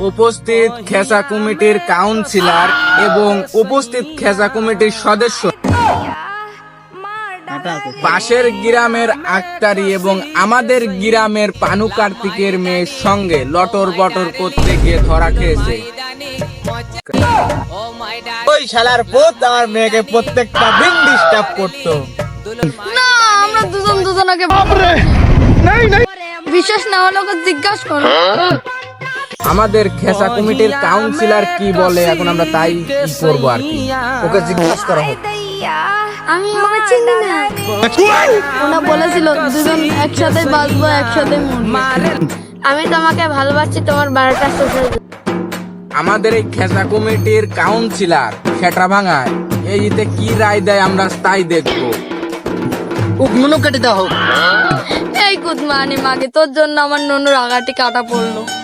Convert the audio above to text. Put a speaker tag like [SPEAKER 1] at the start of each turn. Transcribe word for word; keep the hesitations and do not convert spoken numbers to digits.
[SPEAKER 1] উপস্থিত খেসা কমিটির কাউন্সিলর এবং উপস্থিত খেসা কমিটির সদস্য, পাশের গ্রামের আক্তারি এবং আমাদের গ্রামের পানু কার্তিকের মেয়ের সঙ্গে লটর বটর করতে গিয়ে ধরা খেয়েছে।
[SPEAKER 2] ওই শালার পুত আমার মেয়েকে প্রত্যেকটা দিন ডিস্টার্ব করতো।
[SPEAKER 3] না, আমরা দুজন দুজনকে বিশ্বাস না হলে ওকে জিজ্ঞাসা করো।
[SPEAKER 1] আমাদের খেসা কমিটির কাউন্সিলর কি বলে এখন আমরা তাই করবো আর কি, ওকে জিজ্ঞাসা করা হোক।
[SPEAKER 3] আমি ওকে চিনি না। ওনা বলেছিল দুজন একসাথে বাঁচবো, একসাথে মরবো। আমি তোমাকে ভালোবাসি, তোমার বারোটা শেষ।
[SPEAKER 1] আমাদের এই খেসা কমিটির কাউন্সিলর সেটা ভাঙায় এইতে কি রায় দেয় আমরা তাই দেখবো।
[SPEAKER 2] নুনু কেটে দাও।
[SPEAKER 3] এই কুদমানি মাগে, তোর জন্য আমার নুনুর আগাটি কাটা পড়লো।